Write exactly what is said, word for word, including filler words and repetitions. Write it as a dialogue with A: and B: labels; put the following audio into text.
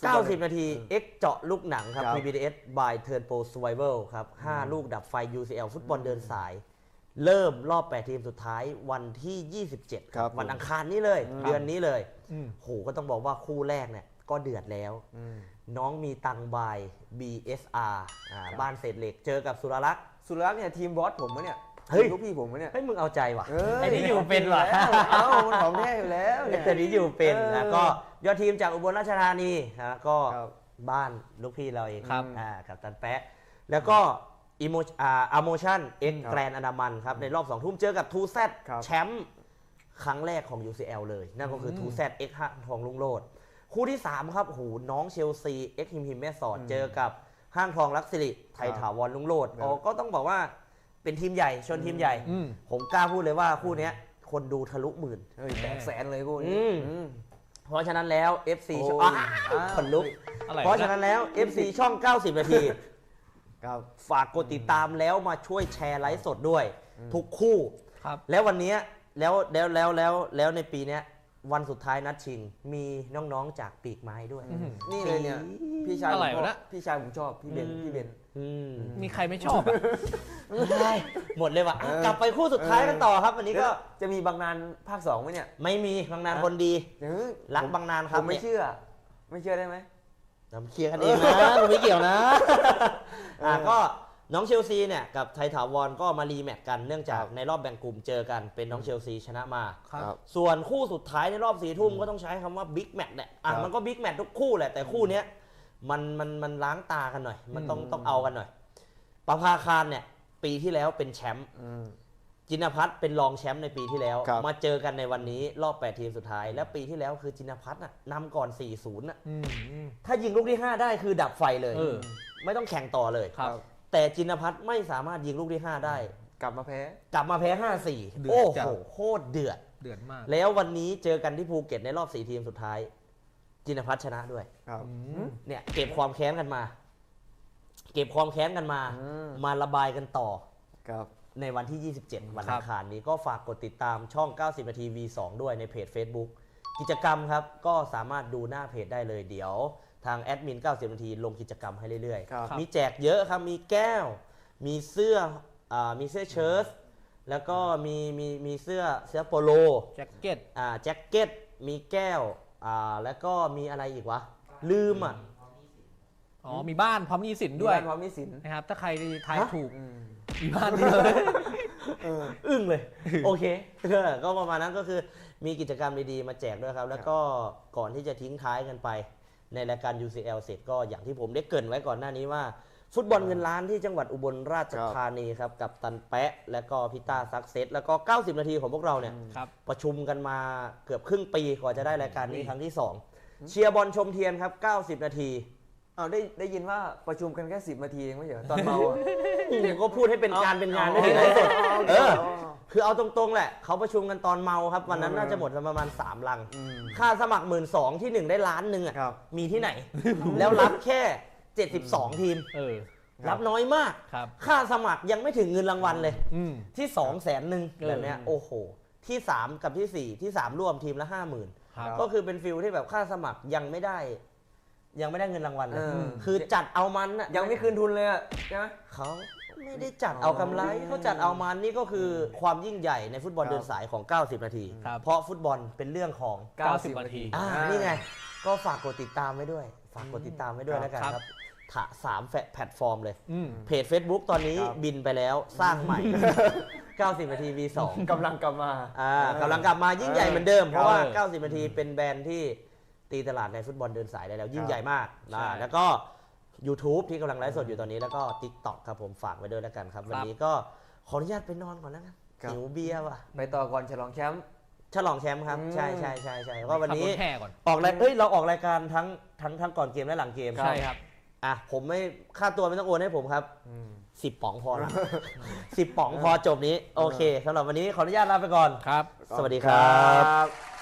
A: เก้าสิบนาที X เจาะลูกหนังครับ พี บี ดี เอส by Turn Pro Survival ครับห้าลูกดับไฟ ยู ซี แอล ฟุตบอลเดินสายเริ่มรอบแปดทีมสุดท้ายวันที่ยี่สิบเจ็ดครับวันอังคารนี้เลยเดือนนี้เลยโหก็ต้องบอกว่าคู่แรกเนี่ยก็เดือดแล้วน้องมีตังบาย บี เอส อาร์ บ้านเศษเหล็กเจอกับสุรลักษณ์
B: สุรลักษณ์เนี่ยทีมบอสผมมะเนี่ย
A: เฮ้ย
B: ลูกพี่ผมมะเนี่ย
A: เฮ้ยมึงเอาใจว่ะ
C: ไอ้นี่อยู่เป็นว่ะ
B: เอ้ามันของแท้อยู่แล้ว
A: แต่นี้อยู่เป็นแล้วก็ยอดทีมจากอุบลราชธานีนะก็บ้านลูกพี่เราเองครับกับตันแปะแล้วก็อิโมอ่าอโมชั่นเอ็กแกรนอนามันครับในรอบสองทุ่มเจอกับทูแซดแชมป์ครั้งแรกของ ยู ซี แอล เลยนั่นก็คือทูแซดเอ็กห้างทองลุงโลดคู่ที่สามครับโหน้องเชลซีเอ็กฮิมฮิมแม่สอดเจอกับห้างทองลักษิริไทยถาวรลุงโลดอ๋อก็ต้องบอกว่าเป็นทีมใหญ่ชนทีมใหญ่ผมกล้าพูดเลยว่าคู่นี้คนดูทะลุหมื่น
B: แตกแสนเลยคู่นี้
A: เพราะฉะนั้นแล้ว เอฟ ซี ช่องคนลุกเพราะฉะนั้นแล้ว เอฟ ซี ช่องเก้าสิบนาทีฝากกดติดตามแล้วมาช่วยแชร์ไลฟ์สดด้วยทุกคู่แล้ววันนี้แล้วแล้วแล้วแล้วแล้วในปีนี้วันสุดท้ายนัดชิงมีน้องๆจากปีกไม้ด้วย
B: นี่เลยเนี่ยพี่ชายผมพี่ชายผมชอบพี่เบนพี่เบน
C: มีใครไม่ชอบอ่ะ
A: หมดเลยว่ะกลับไปคู่สุดท้ายกันต่อครับวันนี้ก็
B: จะมีบางนานภาคสองไหมเนี่ย
A: ไม่มีบางนานคนดีรักบางนานครับ
B: ผมไม่เชื่อไม่เชื่อได้ไหม
A: น้ำเคลียร์กันเองนะผมไม่เกี่ยวนะอ่าก็น้องเชลซีเนี่ยกับไทยถาวรก็มารีแมตช์กันเนื่องจากในรอบแบ่งกลุ่มเจอกันเป็นน้องเชลซีชนะมาส่วนคู่สุดท้ายในรอบสี่ทุ่มก็ต้องใช้คำว่าบิ๊กแมตช์แหละอ่ะมันก็บิ๊กแมตช์ทุกคู่แหละแต่คู่นี้มันมันมันล้างตากันหน่อยมันต้องต้องเอากันหน่อยประภาคารเนี่ยปีที่แล้วเป็นแชมป์จินพัฒน์เป็นรองแชมป์ในปีที่แล้วมาเจอกันในวันนี้รอบแปดทีมสุดท้ายและปีที่แล้วคือจินพัฒน์น่ะนำก่อน สี่ศูนย์ น่ะถ้ายิงลูกที่ห้าได้คือดับไฟเลยไม่ต้องแข่งต่อเลยแต่จินพัฒน์ไม่สามารถยิงลูกที่ห้าได้
B: กลับมาแพ้
A: กลับมาแพ้ ห้าสี่ โอ้โหโคตรเดือด
C: เดือดมาก
A: แล้ววันนี้เจอกันที่ภูเก็ตในรอบสี่ทีมสุดท้ายจินพัฒน์ชนะด้วยเนี่ยเก็บความแค้นกันมาเก็บความแค้นกันมามาระบายกันต่อในวันที่ยี่สิบเจ็ดวันอังคารนี้ก็ฝากกดติดตามช่องเก้าสิบนาที วี สอง ด้วยในเพจ Facebook กิจกรรมครับก็สามารถดูหน้าเพจได้เลยเดี๋ยวทางแอดมินเก้าสิบนาทีลงกิจกรรมให้เรื่อยๆมีแจกเยอะครับมีแก้วมีเสื้ออ่ามีเสื้อเชิ้ตแล้วก็มีมีมีเสื้อเสื้อโปโล
C: แจ็คเก็ต
A: อ่าแจ็คเก็ตมีแก้วอ่าแล้วก็มีอะไรอีกวะลืมอ่ะ
C: อ๋อมีบ้านพร้อมหนี้สินด้วย
B: พร้อมหนี้สิน
C: นะครับถ้าใครทายถูกมีบ้านด้วย
A: อึ้งเลยโอเคก็ประมาณนั้นก็คือมีกิจกรรมดีๆมาแจกด้วยครับแล้วก็ก่อนที่จะทิ้งท้ายกันไปในรายการ ยู ซี แอล เสร็จก็อย่างที่ผมได้เกริ่นไว้ก่อนหน้านี้ว่าฟุตบอลเงินล้านที่จังหวัดอุบลราชธานีครับกับตันแปะและก็พิต้าซักเซสแล้วก็เก้าสิบนาทีของพวกเราเนี่ยประชุมกันมาเกือบครึ่งปีกว่าจะได้รายการนี้ครั้งที่สองเชียร์บอลชมเทียนครับเก้าสิบนาที
B: เอาได้ได้ยินว่าประชุมกันแค่สิบนาทีเองไม่ใช่ตอนเมาอ่ะ
A: เนี่ยก็พูดให้เป็นการเป็นงานไม่ถึงไหนสุดเออคือเอาตรงๆแหละเขาประชุมกันตอนเมาครับวันนั้นน่าจะหมดประมาณสามลังค่าสมัคร หนึ่งหมื่นสองพัน ที่หนึ่งได้ล้านนึงอ่ะมีที่ไหนแล้วรับแค่เจ็ดสิบสองทีมรับน้อยมากค่าสมัครยังไม่ถึงเงินรางวัลเลยที่สองแสนนึงแบบเนี้ยโอ้โหที่สามกับที่สี่ที่สามรวมทีมละ ห้าหมื่น ก็คือเป็นฟิลที่แบบค่าสมัครยังไม่ได้ยังไม่ได้เงินรางวัลเลยคือจัดเอามันอ่ะ
B: ยังไม่คืนทุนเลยอ่ะใช่ไหม
A: เขาไม่ได้จัดเอากำไรเขาจัดเอามันนี่ก็คือความยิ่งใหญ่ในฟุตบอลเดินสายของเก้าสิบนาทีเพราะฟุตบอลเป็นเรื่องของ
C: เก้าสิบนาที
A: อ่านี่ไงก็ฝากกดติดตามไว้ด้วยฝากกดติดตามไว้ด้วยแล้วกันครับถะสามแพลตฟอร์มเลยเพจ Facebook ตอนนี้บินไปแล้วสร้างใหม่เก้าสิบนาที วี สอง
B: กำลังกลับมา
A: อ่ากำลังกลับมายิ่งใหญ่เหมือนเดิมเพราะว่าเก้าสิบนาทีเป็นแบรนด์ที่ตีตลาดในฟุตบอลเดินสายได้แล้วยิ่งใหญ่มากนะแล้วก็ YouTube ที่กำลังไลฟ์สดอยู่ตอนนี้แล้วก็ TikTok ครับผมฝากไว้ด้วยแล้วกันครับวันนี้ก็ขออนุญาตไปนอนก่อนแล้วกันหิวเบียร์ว่ะ
B: ไปต่อก่อนฉลองแชมป์
A: ฉลองแชมป์ครับใช่ใช่ใช่ใช่เพราะวันนี้ออกรายเอ้ยเราออกรายการทั้งทั้งทั้งก่อนเกมและหลังเกม
C: ใช่ครับ
A: อ่ะผมไม่ค่าตัวไม่ต้องโอนให้ผมครับสิบป๋องพอละสิบป๋องพอจบนี้โอเคสำหรับวันนี้ขออนุญาตลาไปก่อน
C: ครับ
A: สวัสดีครับ